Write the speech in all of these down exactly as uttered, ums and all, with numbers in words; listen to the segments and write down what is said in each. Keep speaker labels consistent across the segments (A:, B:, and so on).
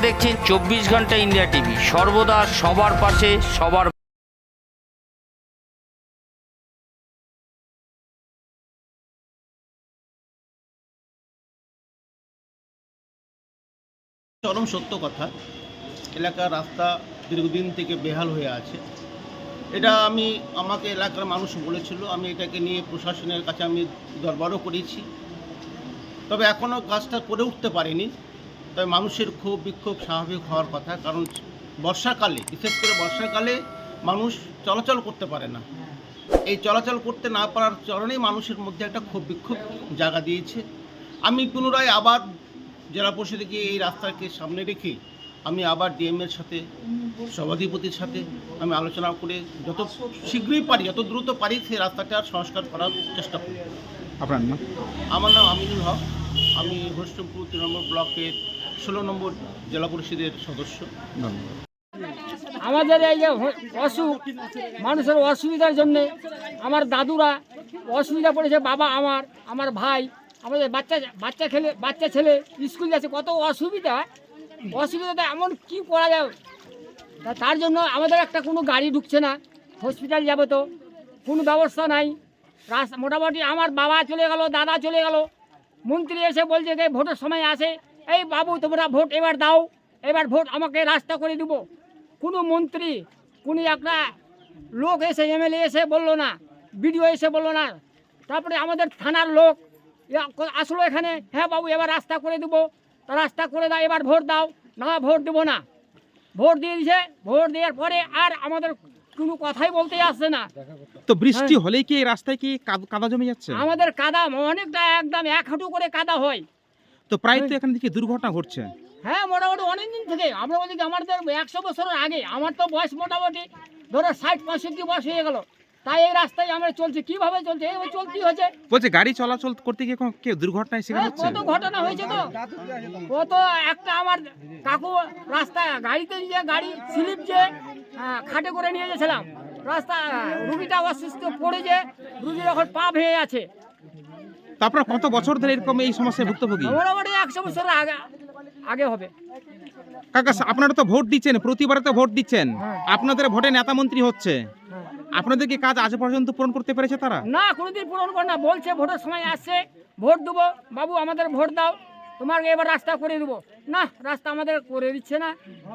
A: দেখছেন চব্বিশ ঘন্টা ইন্ডিয়া টিভি, সর্বদা সবার পাশে সবার।
B: চরম সত্য কথা, এলাকার রাস্তা দীর্ঘদিন থেকে বেহাল হয়ে আছে। এটা আমি আমাকে এলাকার মানুষ বলেছিল, আমি এটাকে নিয়ে প্রশাসনের কাছে আমি দরবারও করেছি, তবে এখনও কাজটা করে উঠতে পারিনি। তবে মানুষের ক্ষোভ বিক্ষোভ স্বাভাবিক হওয়ার কথা, কারণ বর্ষাকালে, বিশেষ করে বর্ষাকালে মানুষ চলাচল করতে পারে না। এই চলাচল করতে না পারার কারণেই মানুষের মধ্যে একটা ক্ষোভ বিক্ষোভ জায়গা দিয়েছে। আমি পুনরায় আবার জেলা পরিষদকে এই রাস্তাকে সামনে রেখে আমি আবার ডিএমের সাথে, সভাধিপতির সাথে আমি আলোচনা করে যত শীঘ্রই পারি, যত দ্রুত পারি সেই রাস্তাটার সংস্কার করার চেষ্টা করি।
C: আপনার নাম?
B: আমার নাম আমিনুল হক, আমি হরিশ্চন্দ্রপুর তৃণমূল ব্লকের ষোলো নম্বর জেলা পরিষদের সদস্য।
D: আমাদের এই যে অসুখ, মানুষের অসুবিধার জন্যে আমার দাদুরা অসুবিধা পড়েছে, বাবা আমার, আমার ভাই, আমাদের বাচ্চা বাচ্চা ছেলে বাচ্চা ছেলে স্কুল যাচ্ছে, কত অসুবিধা। অসুবিধাটা এমন কি করা যায়, তা তার জন্য আমাদের একটা কোনো গাড়ি ঢুকছে না, হসপিটাল যাবে তো কোনো ব্যবস্থা নাই। রাস্তা মোটামুটি আমার বাবা চলে গেল, দাদা চলে গেল, মন্ত্রী এসে বলছে যে ভোটের সময় আসে, এই বাবু তোমরা ভোট এবার দাও, এবার ভোট আমাকে রাস্তা করে দিব। কোনো মন্ত্রী, কোনো একটা লোক এসে, এমএলএ এসে বললো না, বিডিও এসে বললো না। তারপরে আমাদের থানার লোক আসলো এখানে, হ্যাঁ বাবু এবার রাস্তা করে দেবো, তা রাস্তা করে দাও, এবার ভোট দাও। না, ভোট দেবো না। ভোট দিয়ে দিয়েছে, ভোট দেওয়ার পরে আর আমাদের কোনো কথাই বলতে আসছে না।
C: তো বৃষ্টি হলেই কি এই রাস্তায় কি কাদা জমে যাচ্ছে?
D: আমাদের কাদা অনেকটা, একদম এক হাঁটু করে কাদা হয়।
C: তো প্রায় তো এখান থেকে দুর্ঘটনা ঘটছে।
D: হ্যাঁ, মোটামুটি অনেক দিন থেকে আমরা বলছি যে আমাদের একশো বছরের আগে, আমার তো বয়স মোটামুটি ধরো ষাট পঁয়ষট্টি বয়স হয়ে গেল, তাই এই রাস্তায় আমরা চলছি। কিভাবে চলছে? এইভাবে চলতেই হচ্ছে।
C: বলছে গাড়ি চলাচল করতে গিয়ে কোনো কেউ দুর্ঘটনায় শিকার
D: হ্যাঁ,
C: হচ্ছে?
D: কত ঘটনা হয়েছে তো, কত একটা আমার কাকু রাস্তা গাড়িতে নিয়ে গাড়ি স্লিপ যে আহ, খাটে করে নিয়ে গেছিলাম, রাস্তা রুগীটা অসুস্থ পড়ে যে রুগীর এখন পা ভেঙে আছে।
C: তো আপনারা কত বছর ধরে এরকম এই সমস্যায় ভুক্তভোগী?
D: মোটামুটি একশো বছরের আগে আগে হবে।
C: কাকা, আপনারা তো ভোট দিচ্ছেন, প্রতিবারে তো ভোট দিচ্ছেন,
D: হ্যাঁ।
C: আপনাদের ভোটে নেতা মন্ত্রী হচ্ছে,
D: হ্যাঁ।
C: আপনাদের কি কাজ আজ পর্যন্ত পূরণ করতে পেরেছে তারা?
D: না, কোনোদিন পূরণ করে না। বলছে ভোটের সময় আসছে, ভোট দেবো বাবু, আমাদের ভোট দাও, তোমার এবার রাস্তা করে দেবো। না, রাস্তা আমাদের করে দিচ্ছে না।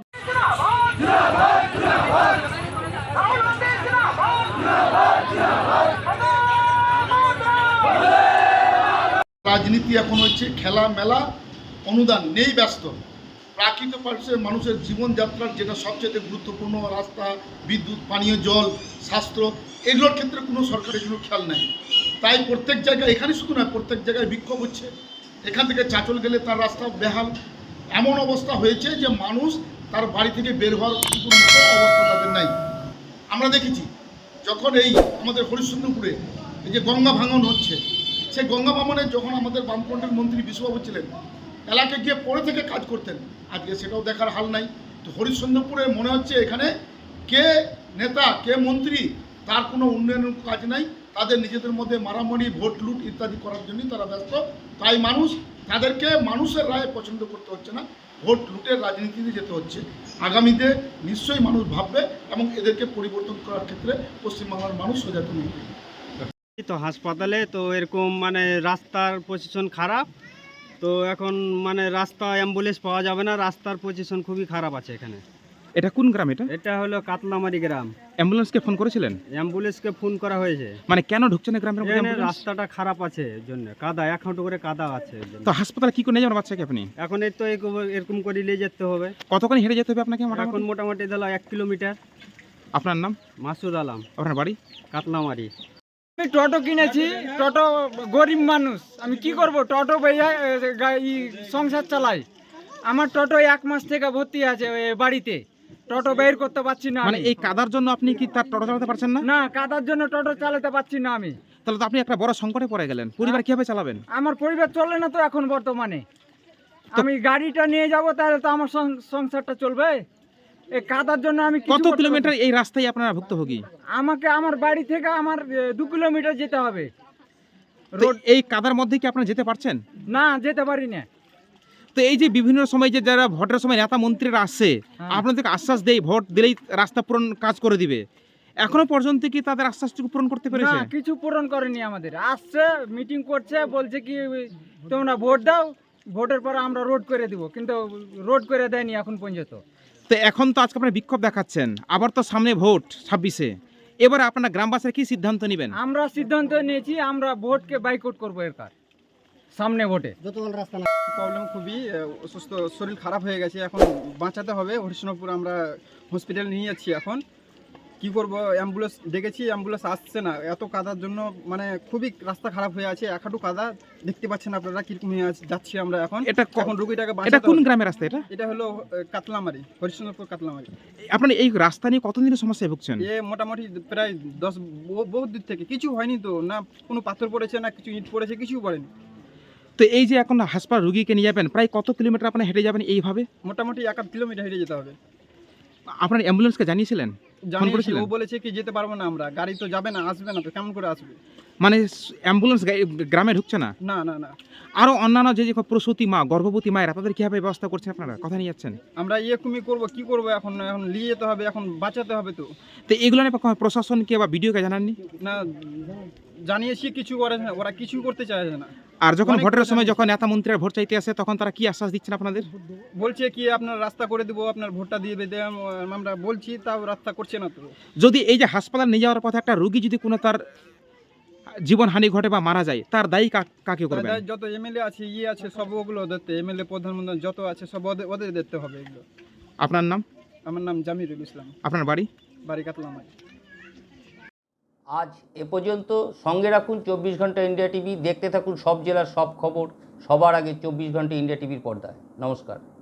E: রাজনীতি এখন হচ্ছে খেলা মেলা, অনুদান নেই, ব্যস্ত। প্রাকৃতিক মানুষের মানুষের জীবনযাত্রার যেটা সবচেয়ে গুরুত্বপূর্ণ, রাস্তা, বিদ্যুৎ, পানীয় জল, স্বাস্থ্য, এগুলোর ক্ষেত্রে কোনো সরকারের কোনো খেয়াল নাই। তাই প্রত্যেক জায়গায়, এখানে শুধু নয়, প্রত্যেক জায়গায় বিক্ষোভ হচ্ছে। এখান থেকে চাঁচল গেলে তার রাস্তা বেহাল, এমন অবস্থা হয়েছে যে মানুষ তার বাড়ি থেকে বের হওয়ার কোনো মতো অবস্থা তাদের নাই। আমরা দেখেছি যখন এই আমাদের হরিশ্চন্দ্রপুরে এই যে গঙ্গা ভাঙন হচ্ছে, সেই গঙ্গা ভাঙনে যখন আমাদের বামফ্রন্টের মন্ত্রী বিশ্ববাবু ছিলেন, এলাকায় গিয়ে পরে থেকে কাজ করতেন, আজকে সেটাও দেখার হাল নাই। তো হরিশ্চন্দ্রপুরে মনে হচ্ছে এখানে কে নেতা, কে মন্ত্রী, তার কোনো উন্নয়নের কাজ নাই। তাদের নিজেদের মধ্যে মারামারি, ভোট লুট ইত্যাদি করার জন্যই তারা ব্যস্ত। তাই মানুষ, তাদেরকে মানুষের রায় পছন্দ করতে হচ্ছে না, ভোট লুটের রাজনীতিতে যেতে হচ্ছে। আগামীতে নিশ্চয়ই মানুষ ভাববে এবং এদেরকে পরিবর্তন করার ক্ষেত্রে পশ্চিমবাংলার মানুষ সচেতন হবে।
F: তো হাসপাতালে তো এরকম মানে রাস্তার পজিশন খারাপ, তো এখন মানে রাস্তা অ্যাম্বুলেন্স পাওয়া যাবে না, রাস্তার পজিশন খুবই খারাপ আছে এখানে।
C: এটা কোন গ্রাম? এটা
F: এটা হলো কাতলামারি গ্রাম।
C: অ্যাম্বুলেন্সকে ফোন করেছিলেন?
F: অ্যাম্বুলেন্সকে ফোন করা হয়েছে।
C: মানে কেন ঢুকছে না গ্রামের মধ্যে
F: এখানে
C: অ্যাম্বুলেন্স?
F: রাস্তাটা খারাপ আছে এর জন্য, কাদা, এক হাঁটু করে কাদা আছে এর জন্য।
C: তো হাসপাতালে কি করে নিয়ে যাবেন বাচ্চাকে আপনি?
F: এখন এই তো এরকম- এরকম করে নিয়ে যেতে হবে।
C: কতক্ষণ হেঁটে যেতে হবে আপনাকে
F: এখন
C: মোটামুটি?
F: মোটামুটি দিল এক কিলোমিটার।
C: আপনার নাম?
F: মাসুদ আলম,
C: আপনার বাড়ি?
F: কাতলামারি।
G: আমি টোটো কিনেছি, টোটো গরিব মানুষ, আমি কি করব, টোটো বেয়ে সংসার চালাই। আমার টোটো এক মাস থেকে ভর্তি আছে এ, বাড়িতে টোটো বের করতে পারছি না।
C: মানে
G: আমি।
C: এই কাদার জন্য আপনি কি তার টোটো চালাতে পারছেন না?
G: না, কাদার জন্য টোটো চালাতে পারছি না আমি।
C: তাহলে তো আপনি একটা বড় সংকটে পড়ে গেলেন, পরিবার কিভাবে চালাবেন?
G: আমার পরিবার চলে না তো এখন বর্তমানে। আমি গাড়িটা নিয়ে যাব, তাহলে তো আমার সং- সংসারটা চলবে। এই কাদার জন্য আমি কিছু
C: কত
G: করতে
C: কিলোমিটার
G: পারছি-
C: এই রাস্তায় আপনারা ভুক্তভোগী?
G: আমাকে আমার বাড়ি থেকে আমার এ, দু কিলোমিটার যেতে হবে।
C: তো এই কাদার মধ্যে কি আপনারা যেতে পারছেন?
G: না, যেতে পারি না।
C: তো এই যে বিভিন্ন সময় যে যারা ভোটের সময় নেতা মন্ত্রীরা আসছে
G: হ্যাঁ।
C: আপনাদেরকে আশ্বাস দেয় ভোট দিলেই রাস্তা পূরণ কাজ করে দিবে, এখনো পর্যন্ত কি তাদের আশ্বাসটুকু পূরণ করতে
G: না
C: পেরেছে?
G: কিছু পূরণ করেনি আমাদের, আসছে মিটিং করছে, বলছে কি তোমরা ভোট দাও, ভোটের পর আমরা রোড করে দিব, কিন্তু রোড করে দেয়নি এখন পর্যন্ত।
C: তো এখন তো আজকে আপনারা বিক্ষোভ দেখাচ্ছেন, আবার তো সামনে ভোট ছাব্বিশে, এবারে আপনারা গ্রামবাসীরা কি সিদ্ধান্ত নেবেন?
G: আমরা সিদ্ধান্ত নিয়েছি আমরা ভোটকে বাইকআউট করবো এরকার সামনে ভোটে।
H: প্রবলেম খুবই আহ, অসুস্থ, শরীর খারাপ হয়ে গেছে, এখন বাঁচাতে হবে। হরিশনপুর আমরা হসপিটাল নিয়ে যাচ্ছি। এখন কি করব, অ্যাম্বুলেন্স ডেকেছি, অ্যাম্বুলেন্স আসছে না, এত কাদার জন্য মানে খুবই রাস্তা খারাপ হয়ে আছে, এক হাঁটু কাদা, দেখতে পাচ্ছেন আপনারা কিরকম হয়ে আছে- যাচ্ছি আমরা এখন।
C: এটা ক-
H: এখন রুগীটাকে
C: এটা
H: বাঁচাতে
C: কোন
H: হবে।
C: গ্রামের রাস্তা এটা?
H: এটা হলো আহ, কাতলামারি, হরিশনপুর কাতলামারি।
C: আপনারা এই রাস্তা নিয়ে কতদিনের সমস্যায় ভুগছেন?
H: এ মোটামুটি প্রায় দশ বহু- বহুত দূর থেকে, কিছু হয়নি তো, না কোনো পাথর পড়েছে, না কিছু ইট পড়েছে, কিছু পড়েনি।
C: তো এই যে এখন হাসপাতাল রুগীকে নিয়ে যাবেন, প্রায় কত কিলোমিটার আপনারা হেঁটে যাবেন এইভাবে?
H: মোটামুটি এক আধ কিলোমিটার হেঁটে যেতে হবে।
C: আপনার অ্যাম্বুলেন্সকে জানিয়েছিলেন?
H: জানিয়েছি,
C: করেছিলেন?
H: ও বলেছে কি যেতে পারবো না আমরা, গাড়ি তো যাবে না, আসবে না তো, কেমন করে আসবে?
C: মানে অ্যাম্বুলেন্স গ্রামে ঢুকছে না?
H: না না না,
C: আরো অন্যান্য যে যে প্রসূতি মা, গর্ভবতী মায়েরা, তাদের কিভাবে ব্যবস্থা করছেন আপনারা, কথা নিয়ে যাচ্ছেন?
H: আমরা ইয়ে কুমি করবো, কি করবো এখন, এখন নিয়ে যেতে হবে, এখন বাঁচাতে হবে তো।
C: তো এগুলো নিয়ে কখনো প্রশাসনকে বা বিডিওকে জানাননি?
H: না জানিয়েছি, কিছু করে না, ওরা কিছু করতে চাইছে না।
C: আর যখন
H: অনেক
C: ভোটের
H: কথা
C: সময়
H: জানি।
C: যখন নেতা মন্ত্রীরা ভোট চাইতে আসে তখন তারা কি আশ্বাস দিচ্ছেন আপনাদের?
H: বলছে কি আপনার রাস্তা করে দিব, আপনার ভোটটা দিয়ে বেঁধে আমরা বলছি, তাও রাস্তা করছে না তো।
C: যদি এই যে হাসপাতাল নিয়ে যাওয়ার পথে একটা রোগী যদি কোনো তার জীবনহানি ঘটে বা মারা যায়, তার দায়ী কা- কাকে করবেন?
H: তাই যত এমএলএ আছে, ইয়ে আছে, সব ওগুলো দেখতে, এমএলএ প্রধানমন্ত্রী যত আছে সব ওদের ওদের দেখতে হবে এগুলো।
C: আপনার নাম?
H: আমার নাম জামিরুল ইসলাম,
C: আপনার বাড়ি?
H: বাড়ি কাতলামারি।
A: আজ এ পর্যন্ত। সঙ্গে রাখুন চব্বিশ ঘন্টা ইন্ডিয়া টিভি, দেখতে থাকুন সব জেলার সব খবর সবার আগে চব্বিশ ঘন্টা ইন্ডিয়া টিভির পর্দায়। নমস্কার।